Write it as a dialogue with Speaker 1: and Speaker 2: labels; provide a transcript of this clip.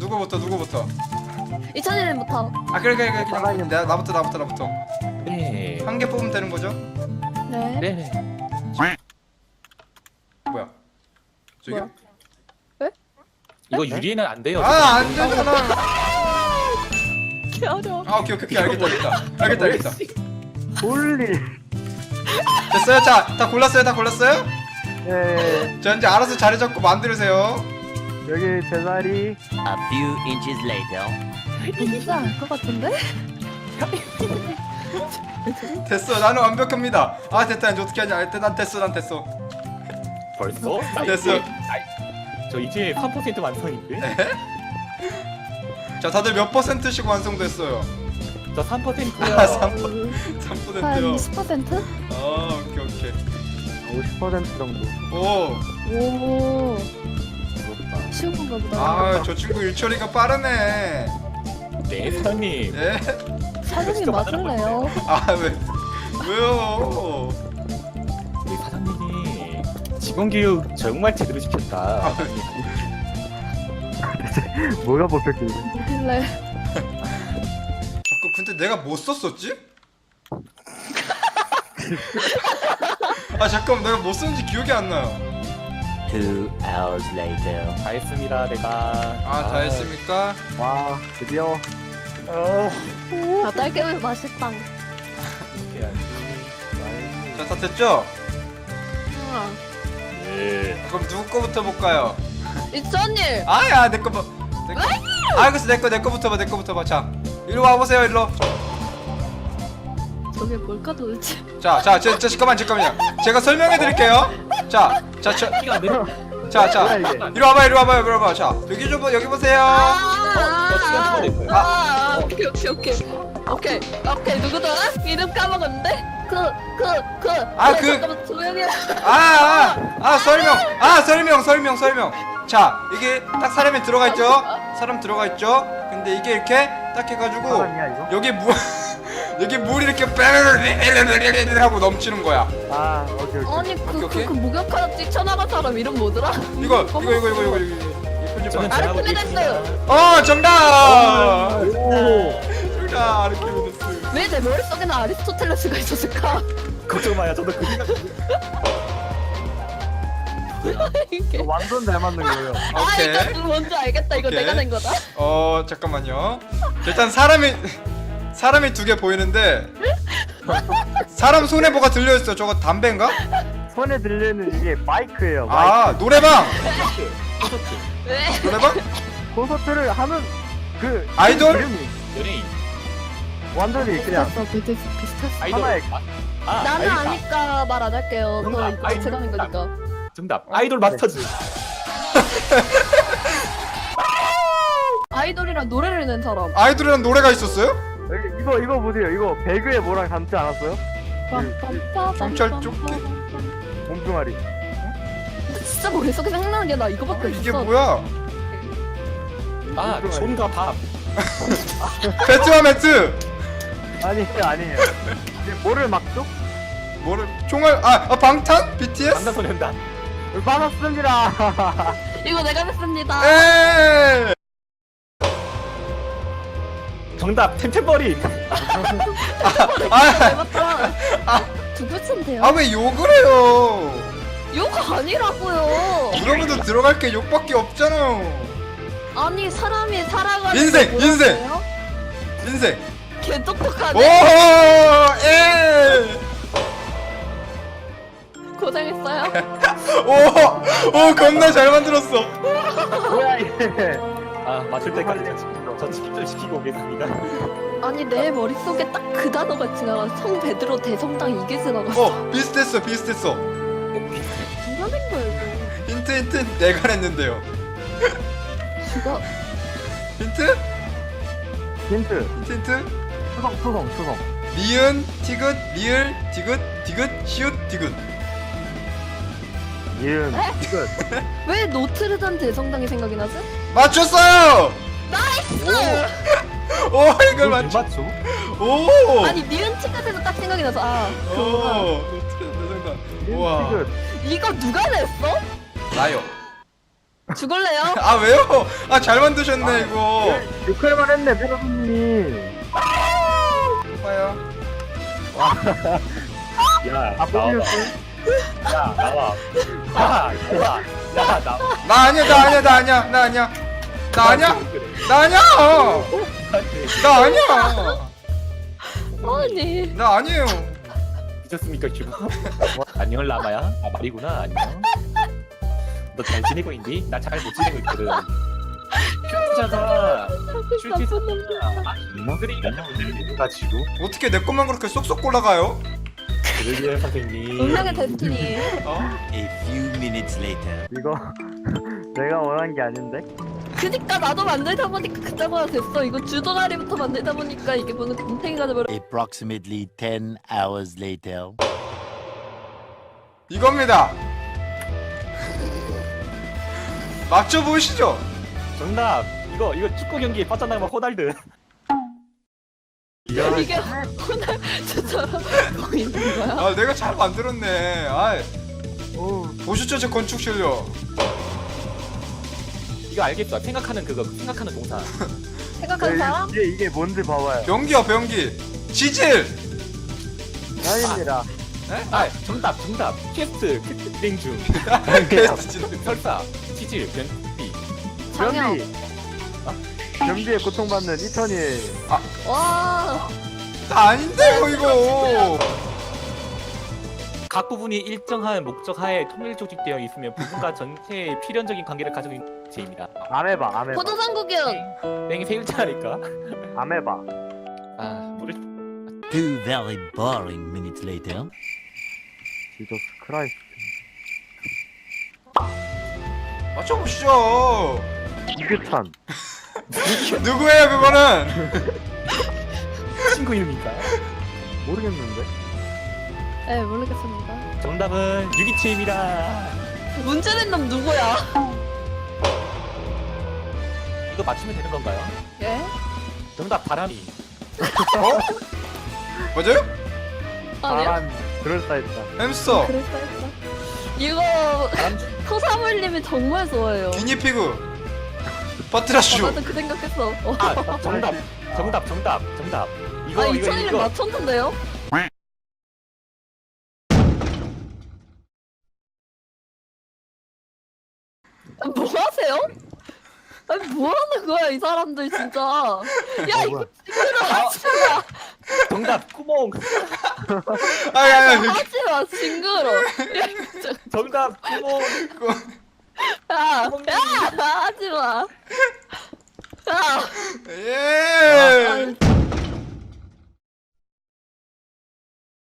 Speaker 1: 누구부터?
Speaker 2: 2001년부터.
Speaker 1: 아 그래 그냥 나부터.
Speaker 3: 네.
Speaker 1: 한 개 뽑으면 되는 거죠?
Speaker 2: 네.
Speaker 3: 네네.
Speaker 1: 뭐야? 저기요?
Speaker 2: 뭐야? 왜?
Speaker 3: 이거 유리는 안 돼요.
Speaker 1: 아 안 되잖아.
Speaker 2: 개어려.
Speaker 1: 아 오케이 알겠다.
Speaker 4: 홀리.
Speaker 1: 됐어요? 자, 다 골랐어요?
Speaker 4: 예.
Speaker 1: 자 이제 알아서 자리 잡고 만들으세요.
Speaker 4: 여기 제 자리.
Speaker 5: A few inches later.
Speaker 2: 진짜 알 것 같은데?
Speaker 1: 됐어, 나는 완벽합니다. 아 됐다, 이제 어떻게 하냐? 난 됐어.
Speaker 3: 벌써?
Speaker 1: 됐어.
Speaker 3: 저 이제 3% 완성인데?
Speaker 1: 자, 다들 몇 %씩 완성됐어요?
Speaker 3: 저 3%요.
Speaker 1: 아,
Speaker 2: 한
Speaker 1: 3%요.
Speaker 2: 20%?
Speaker 1: 아, 오케이.
Speaker 4: 50% 정도.
Speaker 1: 오,
Speaker 2: 오.
Speaker 3: 부럽다.
Speaker 2: 쉬운 건가 보다.
Speaker 1: 아, 저 친구 일처리가 빠르네.
Speaker 3: 네, 사장님.
Speaker 1: 예?
Speaker 2: 사장님 맞을래요?
Speaker 1: 아, 왜요?
Speaker 3: 우리 사장님이 직원 교육 정말 제대로 시켰다.
Speaker 4: 뭐가 뽑혔길래?
Speaker 2: 뭐길래?
Speaker 1: 자꾸 근데 내가 뭐 썼었지? 아 잠깐, 내가 뭐 썼는지 기억이 안 나요.
Speaker 5: 2 hours later.
Speaker 3: 다 했습니다, 내가.
Speaker 1: 아, 다 했습니까?
Speaker 4: 와, 드디어.
Speaker 2: 아, 딸기우유 맛있다.
Speaker 1: 자, 다 됐죠?
Speaker 3: 네.
Speaker 1: 그럼 누구 거부터 볼까요?
Speaker 2: 이천일.
Speaker 1: 아야, 내 거 봐. 아, 그래서 내 거부터 봐. 자, 이리 와 보세요, 일로.
Speaker 2: 저게 뭘까 도대체?
Speaker 1: 자, 잠깐만요. 제가 설명해 드릴게요. 자,
Speaker 3: 키가 안 돼.
Speaker 4: 뭐야, 이게?
Speaker 1: 이리 와봐요. 자, 여기 보세요.
Speaker 2: 오케이. 누구더라? 이름 까먹었는데? 잠깐만 조용히 해.
Speaker 1: 설명. 자, 이게 딱 사람이 들어가 있죠? 사람 들어가 있죠? 근데 이게 이렇게 딱 해가지고
Speaker 4: 사람이야, 이거?
Speaker 1: 여기 물 이렇게 빼르르르르르 하고 넘치는 거야.
Speaker 4: 아, 오케이.
Speaker 2: 아니
Speaker 1: 오케이.
Speaker 2: 그 목욕하다 뛰쳐나간 사람 이름 뭐더라?
Speaker 1: 이거
Speaker 3: 저는 잘하고 있습니다.
Speaker 1: 어, 정답!
Speaker 4: 오.
Speaker 1: 정답, 아르키메데스.
Speaker 2: 왜 내 머릿속에는 아리스토텔레스가 있었을까?
Speaker 3: 걱정 마요. 저도 그 생각.
Speaker 2: 이게.
Speaker 4: 완전 잘 맞는 거예요.
Speaker 1: 오케이.
Speaker 2: 이거 뭔지 알겠다. 이거
Speaker 1: 오케이.
Speaker 2: 내가 낸 거다.
Speaker 1: 잠깐만요. 일단 사람이 두 개 보이는데 사람 손에 뭐가 들려있어. 저거 담배인가?
Speaker 4: 손에 들리는 이게 마이크예요.
Speaker 1: 아, 노래방!
Speaker 2: 왜?
Speaker 1: 노래방?
Speaker 4: 콘서트를 하는 그
Speaker 1: 아이돌?
Speaker 4: 이름이
Speaker 3: 연예인.
Speaker 4: 완전히 그냥
Speaker 2: 비슷했어.
Speaker 3: 아이돌.
Speaker 4: 하나의
Speaker 2: 나는
Speaker 3: 아이돌.
Speaker 2: 아니까 말 안 할게요. 저
Speaker 3: 정답.
Speaker 2: 이거 제가 낸 거니까.
Speaker 3: 정답. 아이돌 마스터즈.
Speaker 2: 아이돌이랑 노래를 낸 사람.
Speaker 1: 아이돌이란 노래가 있었어요?
Speaker 4: 여기 이거 보세요. 이거 배그에 뭐랑 닮지 않았어요?
Speaker 1: 경찰 조끼?
Speaker 4: 몸뚱아리.
Speaker 2: 진짜 머릿속에 생각나는 게 나 이거밖에 없어.
Speaker 1: 이게 뭐야?
Speaker 3: 아, 손과 밥.
Speaker 1: 배트와 매트!
Speaker 4: 아니에요. 이게 뭐를 막죠?
Speaker 1: 뭐를 총알 방탄? BTS?
Speaker 3: 방탄소년단.
Speaker 4: 받았습니다.
Speaker 2: 이거 내가 냈습니다.
Speaker 1: 에이!
Speaker 3: 정답. 템템버린.
Speaker 1: 아,
Speaker 2: 맞다. 두 글자인데요?
Speaker 1: 아 왜 욕을 해요?
Speaker 2: 욕 아니라고요.
Speaker 1: 여러분들 들어갈 게 욕밖에 없잖아요.
Speaker 2: 아니 사람이 살아가는
Speaker 1: 인생,
Speaker 2: 게
Speaker 1: 인생.
Speaker 2: 뭐라고요?
Speaker 1: 인생.
Speaker 2: 개
Speaker 1: 오,
Speaker 2: 똑똑하네.
Speaker 1: 에.
Speaker 2: 고생했어요.
Speaker 1: 오, 겁나 잘 만들었어.
Speaker 4: 뭐야 이게?
Speaker 3: 아, 맞출 때까지 저 치킨 시키고 오겠습니다.
Speaker 2: 아니 내 머릿속에 딱 그 단어가 지나가. 성 베드로 대성당 이게 지나갔어.
Speaker 1: 비슷했어.
Speaker 2: 누가 낸 거야 이거?
Speaker 1: 힌트 내가 냈는데요.
Speaker 2: 누가?
Speaker 1: 힌트?
Speaker 4: 힌트. 수성.
Speaker 1: 니은, 티귿, 리을, 디귿, 시읒, 디귿.
Speaker 4: 이은. 이거.
Speaker 2: 왜 노트르담 대성당이 생각이 나지?
Speaker 1: 맞췄어요.
Speaker 2: 나이스!
Speaker 1: 오, 이걸 맞춰.
Speaker 3: 맞죠?
Speaker 1: 오.
Speaker 2: 아니 니은 치카에서 딱 생각이 나서 그거구나.
Speaker 1: 오. 우와.
Speaker 4: 이거.
Speaker 2: 이거 누가 냈어?
Speaker 1: 나요.
Speaker 2: 죽을래요?
Speaker 1: 아 왜요? 아 잘 만드셨네 이거.
Speaker 4: 욕할만 했네 페로님.
Speaker 1: 봐요.
Speaker 3: 야
Speaker 4: 아
Speaker 3: 나와.
Speaker 4: 뽑으셨어요?
Speaker 3: 야 나와. 야 나와. 야 나와.
Speaker 1: 나 아니야 나 아니야 나 아니야 나 아니야 나 아니야 나 아니야 나 아니야
Speaker 2: 아니.
Speaker 1: 나 아니에요.
Speaker 3: 미쳤습니까 지금? 안녕 라마야? 아 말이구나 안녕. 너 잘 지내고 있니? 나 잘 못 지내고 있거든. 큐티잖아.
Speaker 2: 나쁜 놈들.
Speaker 3: 놈들이 가지고
Speaker 1: 어떻게 내 것만 그렇게 쏙쏙 골라가요?
Speaker 3: 그러게요 선생님.
Speaker 2: 운명의 데스티니.
Speaker 1: 어?
Speaker 5: A few minutes later.
Speaker 4: 이거 내가 원한 게 아닌데.
Speaker 2: 그니까 나도 만들다 보니까 그따구가 됐어. 이거 주도다리부터 만들다 보니까 이게 무슨 곰탱이가 돼버려.
Speaker 5: Approximately 10 hours later.
Speaker 1: 이겁니다. 맞춰보시죠.
Speaker 3: 정답. 이거 축구 경기에 빠져나가면 호날두.
Speaker 2: 이게 호날두처럼 보이는 거야?
Speaker 1: 아 내가 잘 만들었네. 아 보시죠 제 건축 실력.
Speaker 3: 이거 알겠어. 생각하는 생각하는 동사.
Speaker 2: 생각한 사람?
Speaker 4: 이게 뭔지 봐봐요.
Speaker 1: 변기야 변기. 지질.
Speaker 4: 아닙니다.
Speaker 3: 아 정답. 퀘스트 진행 중.
Speaker 1: 베스트 지질.
Speaker 3: 설사. 치질. 변비.
Speaker 2: 장영.
Speaker 4: 변비에 고통받는 이천이.
Speaker 2: 와.
Speaker 1: 나 아닌데 이거.
Speaker 3: 각 부분이 일정한 목적 하에 통일 조직되어 있으면 부분과 전체의 필연적인 관계를 가지고 있는 제입니다.
Speaker 4: 안 해봐.
Speaker 2: 포도상국이은.
Speaker 3: 땡이 세 글자니까.
Speaker 4: 안 해봐.
Speaker 3: 아 모르.
Speaker 5: Two very boring minutes later.
Speaker 4: 지저스 크라이스트.
Speaker 1: 맞춰보시죠.
Speaker 4: 이규찬.
Speaker 1: 누구예요 그거는?
Speaker 3: 친구 이름인가?
Speaker 4: 모르겠는데.
Speaker 2: 네 모르겠습니다.
Speaker 3: 정답은 유기체입니다.
Speaker 2: 문제 낸 놈 누구야?
Speaker 3: 이거 맞추면 되는 건가요?
Speaker 2: 예?
Speaker 3: 정답 바람이.
Speaker 1: 어? 맞아요?
Speaker 2: 아니야?
Speaker 4: 바람 그럴싸했다.
Speaker 1: 햄스터.
Speaker 2: 그랬어 했어. 이거
Speaker 3: 바람
Speaker 2: 토사물님이 정말 좋아해요.
Speaker 1: 기니피그. 버트라슈.
Speaker 2: 나도 그 생각했어.
Speaker 3: 아 정답. 이거
Speaker 2: 아
Speaker 3: 이거
Speaker 2: 2001년
Speaker 3: 이거
Speaker 2: 맞췄는데요? 뭐 하세요? 아니 뭐 하는 거야 이 사람들 진짜. 야 이거 징그러.
Speaker 3: 정답 구멍.
Speaker 1: 아니
Speaker 2: 하지마 징그러. 야 진짜.
Speaker 3: 정답 구멍.
Speaker 2: 야 하지마. 야.
Speaker 1: 예.